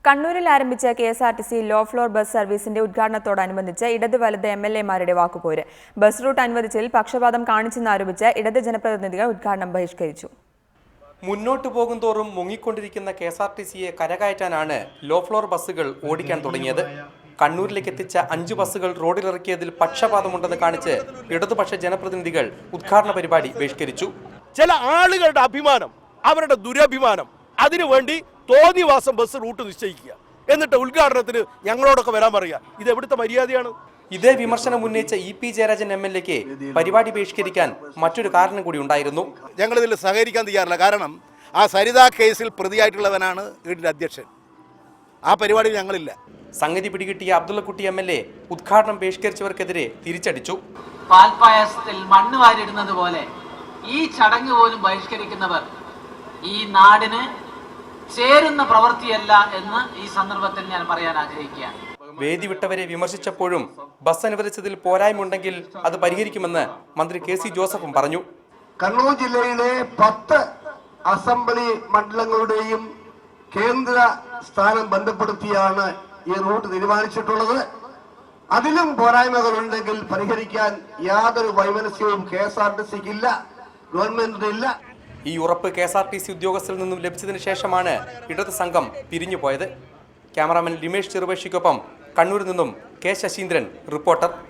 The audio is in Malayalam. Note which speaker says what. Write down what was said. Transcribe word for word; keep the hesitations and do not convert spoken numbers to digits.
Speaker 1: കണ്ണൂരിൽ ആരംഭിച്ച K S R T C low floor bus സർവീസിന്റെ ഉദ്ഘാടനത്തോടനുബന്ധിച്ച് ഇടത് വലത് എം എൽ എമാരുടെ വാക്കുപോര്. ബസ് റൂട്ട് അനുവദിച്ചതിൽ പക്ഷപാതം കാണിച്ചെന്നാരോപിച്ച് ഇടത് ജനപ്രതിനിധികൾ ഉദ്ഘാടനം ബഹിഷ്കരിച്ചു.
Speaker 2: മുന്നോട്ടു പോകുന്തോറും മുങ്ങിക്കൊണ്ടിരിക്കുന്ന കെ എസ് ആർ ടി സിയെ കരകയറ്റാനാണ് ലോ ഫ്ലോർ ബസ്സുകൾ ഓടിക്കാൻ തുടങ്ങിയത്. കണ്ണൂരിലേക്ക് എത്തിച്ച അഞ്ച് ബസ്സുകൾ റോഡിലിറക്കിയതിൽ പക്ഷപാതമുണ്ടെന്ന് കാണിച്ച് ഇടതുപക്ഷ ജനപ്രതിനിധികൾ ഉദ്ഘാടന പരിപാടി ബഹിഷ്കരിച്ചു.
Speaker 3: ചില ആളുകളുടെ അഭിമാനം, അവരുടെ ദുരഭിമാനം, അതിനുവേണ്ടി തോന്നിവാസം ബസ് റൂട്ട് നിശ്ചയിക്കുക, എന്നിട്ട് ഉദ്ഘാടനത്തിന് ഞങ്ങളോടൊക്കെ വരാൻ പറയുക. ഇത് എവിടുത്തെ മര്യാദയാണ്?
Speaker 2: ഇതേ വിമർശനം ഉന്നയിച്ച E P Jayarajan M L എക്ക് പരിപാടി ബഹിഷ്കരിക്കാൻ മറ്റൊരു കാരണം കൂടി ഉണ്ടായിരുന്നു.
Speaker 4: ഞങ്ങളിതിൽ സഹകരിക്കാൻ തയ്യാറില്ല. കാരണം ആ സരിത കേസിൽ പ്രതിയായിട്ടുള്ളവനാണ് വീടിന്റെ അധ്യക്ഷൻ. ആ പരിപാടി ഞങ്ങളില്ല.
Speaker 2: സംഗതി പിടികിട്ടിയ അബ്ദുള്ളക്കുട്ടി എം എൽ എ ഉദ്ഘാടനം ബഹിഷ്കരിച്ചവർക്കെതിരെ തിരിച്ചടിച്ചു.
Speaker 5: പാൽപ്പായസത്തിൽ മണ്ണ് വാരിടുന്നത് പോലെ ഈ ചടങ്ങ് പോലും ബഹിഷ്കരിക്കുന്നവർ ഈ നാടിന് ചേരുന്ന പ്രവൃത്തിയല്ല എന്ന് ഈ സന്ദർഭത്തിൽ ഞാൻ പറയാൻ ആഗ്രഹിക്കുകയാണ്.
Speaker 2: വേദി വിട്ടവരെ വിമർശിച്ചപ്പോഴും ബസ് അനുവദിച്ചതിൽ പോരായ്മയുണ്ടെങ്കിൽ അത് പരിഹരിക്കുമെന്ന് മന്ത്രി കെ സി ജോസഫും പറഞ്ഞു.
Speaker 6: കണ്ണൂർ ജില്ലയിലെ പത്ത് അസംബ്ലി മണ്ഡലങ്ങളുടെയും കേന്ദ്ര സ്ഥാനം ബന്ധപ്പെടുത്തിയാണ് ഈ റൂട്ട് തീരുമാനിച്ചിട്ടുള്ളത്. അതിലും പോരായ്മകളുണ്ടെങ്കിൽ പരിഹരിക്കാൻ യാതൊരു വൈമനസ്യവും കെ എസ് ആർ ടി സിക്കില്ല, ഗവൺമെന്റിനില്ല.
Speaker 2: ഈ ഉറപ്പ് K S R T C ഉദ്യോഗസ്ഥരിൽ നിന്നും ലഭിച്ചതിന് ശേഷമാണ് ഇടത് സംഘം പിരിഞ്ഞുപോയത്. ക്യാമറാമാൻ ലിമേഷ് ചെറുപേഷിക്കൊപ്പം കണ്ണൂരിൽ നിന്നും കെ ശശീന്ദ്രൻ, റിപ്പോർട്ടർ.